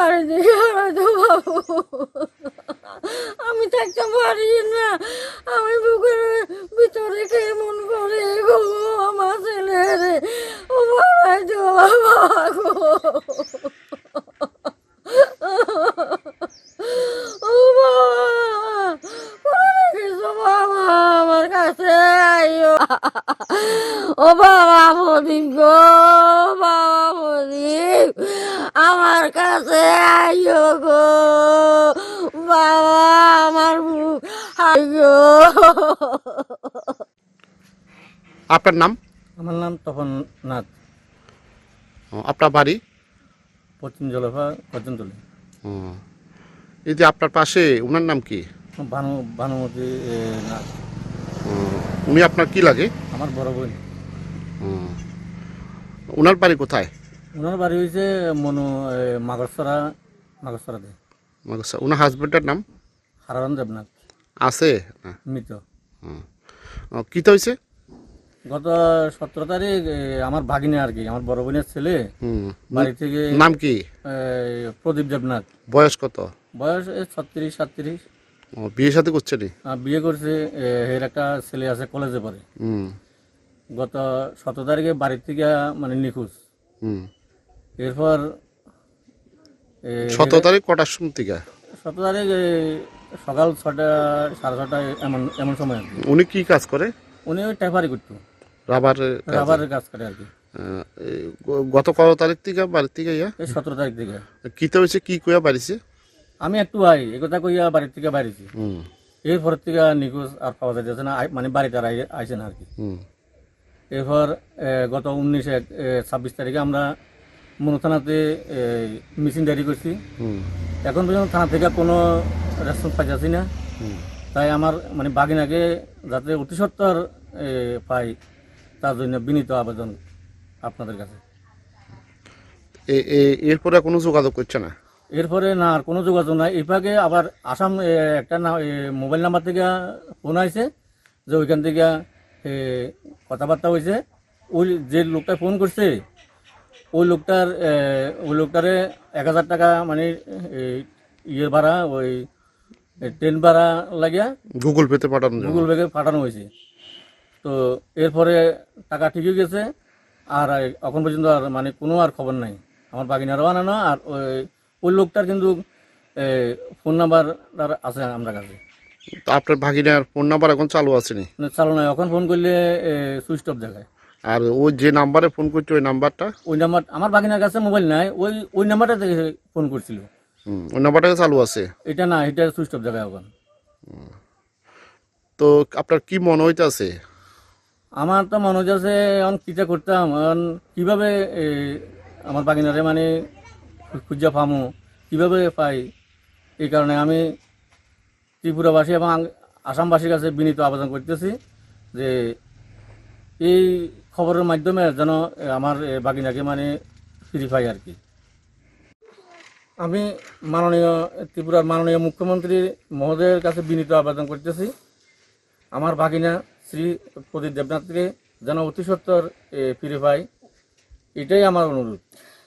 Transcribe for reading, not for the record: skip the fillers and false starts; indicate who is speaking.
Speaker 1: বাড়ি থেকে হয়তো বাবু আমি থাকতে পারি না, আমি বুকের ভিতরে কেমন করে গো আমার ছেলের ও বাবা তো বাবা গো ও বাবা কোথায় রেখেছো বাবা আমার কাছে আইও ও বাবা প্রদীপ গো বাবা প্রদীপ আমার কাছে আইও গো বাবা আমার বুক আইও।
Speaker 2: আপনার নাম?
Speaker 3: আমার নাম তপন নাথ,
Speaker 2: আপনার বাড়ি?
Speaker 3: পশ্চিম জলফা কর্জনতলী।
Speaker 2: ও, এই যে আপনার পাশে ওনার নাম কি?
Speaker 3: ভানুমতি নাথ।
Speaker 2: ও, উনি আপনার কি লাগে?
Speaker 3: আমার বড় বোন।
Speaker 2: ও, ওনার বাড়ি কোথায়?
Speaker 3: ওনার বাড়ি হয়েছে মনু মাগসরাতে।
Speaker 2: ওনার হাজবেন্ডের নাম?
Speaker 3: হারারণ দেবনাথ।
Speaker 2: আছে না?
Speaker 3: মৃত।
Speaker 2: কিতা হয়েছে?
Speaker 3: গত 17 তারিখ আমার ভাগিনে আর কি, আমার বড় বোনের ছেলে বাড়ি থেকে।
Speaker 2: নাম কি?
Speaker 3: প্রদীপ দেবনাথ।
Speaker 2: বয়স কত?
Speaker 3: বয়স 36-37।
Speaker 2: বিয়ে সাথে করছে নি?
Speaker 3: বিয়ে করছে। এর একটা ছেলে আছে, কলেজে পড়ে। গত 17 তারিখে বাড়ির থেকে মানে নিখোঁজ। এরপর
Speaker 2: 17 তারিখ কটার সময় থেকে?
Speaker 3: 17 তারিখ সকাল 6টা 6:30 এমন সময় আর কি।
Speaker 2: উনি কি কাজ করে?
Speaker 3: উনি ওই ট্যাপারি করতো, রাবারের কাজ করে আর কি।
Speaker 2: গত কত তারিখ থেকে বাড়ির থেকে ইয়া?
Speaker 3: এই 17 তারিখ থেকে।
Speaker 2: কিতা হয়েছে, কি কইয়া বাড়িছে?
Speaker 3: আমি একটু এই কথা কইয়া বাড়ির থেকে বাইরেছি। এরপর থেকে নিখোঁজ আর পাওয়া যাচ্ছে না, মানে বাড়িতে আর আইসে না আর কি। এরপর গত 26 তারিখে আমরা মনু থানাতে মিসিং ডায়েরি করছি। এখন পর্যন্ত থানা থেকে কোনো রেসপন্স পাইছি না। তাই আমার মানে বাগিনাকে যাতে অতি সত্বর পাই, তার জন্য বিনীত আবেদন আপনাদের কাছে।
Speaker 2: এরপরে কোনো যোগাযোগ করছে না?
Speaker 3: এরপরে না, আর কোনো যোগাযোগ নাই। এরপরে আবার আসাম একটা মোবাইল নাম্বার থেকে ফোন আইছে যে ওইখান থেকে কথাবার্তা হয়েছে। ওই যে লোকটা ফোন করছে ওই লোকটারে 1000 টাকা মানে ইয়ে ভাড়া, ওই ট্রেন ভাড়া লাগিয়া
Speaker 2: গুগল পেতে
Speaker 3: পাঠানো হয়েছে। তো এরপরে টাকা ঠিক হয়ে গেছে। আর এখন পর্যন্ত আর মানে কোনো আর খবর নাই। আমার বাগিনারও আনানো। আর ওই লোকটার কিন্তু ফোন নাম্বার আছে আমার কাছে।
Speaker 2: তো আপনার ভাগিনার ফোন নাম্বার এখন চালু আছে নি?
Speaker 3: চালু নয়, এখন ফোন করলে সুইচ অফ দেখায়।
Speaker 2: আর ওই যে নাম্বারে ফোন করছে ওই নাম্বার
Speaker 3: আমার বাগিনার কাছে মোবাইল নাই, ওই নাম্বারটা থেকে ফোন করছিল।
Speaker 2: ওই নাম্বারটা চালু আছে?
Speaker 3: এটা না, এটা সুইচ অফ দেখায় এখন।
Speaker 2: তো আপনার কি মনে হইতেছে?
Speaker 3: আমার তো মনে হচ্ছে এখন কিটা করতাম, এখন কিভাবে আমার বাগিনারে মানে খুঁজা পামো, কিভাবে পাই। এই কারণে আমি ত্রিপুরাবাসী এবং আসামবাসীর কাছে বিনীত আবেদন করতেছি যে এই খবরের মাধ্যমে যেন আমার বাগিনাকে মানে ফিরে পাই আর কি। আমি ত্রিপুরার মাননীয় মুখ্যমন্ত্রী মহোদয়ের কাছে বিনীত আবেদন করতেছি আমার বাগিনা শ্রী প্রদীপ দেবনাথকে যেন অতি সত্বর ফিরে পাই, এটাই আমার অনুরোধ।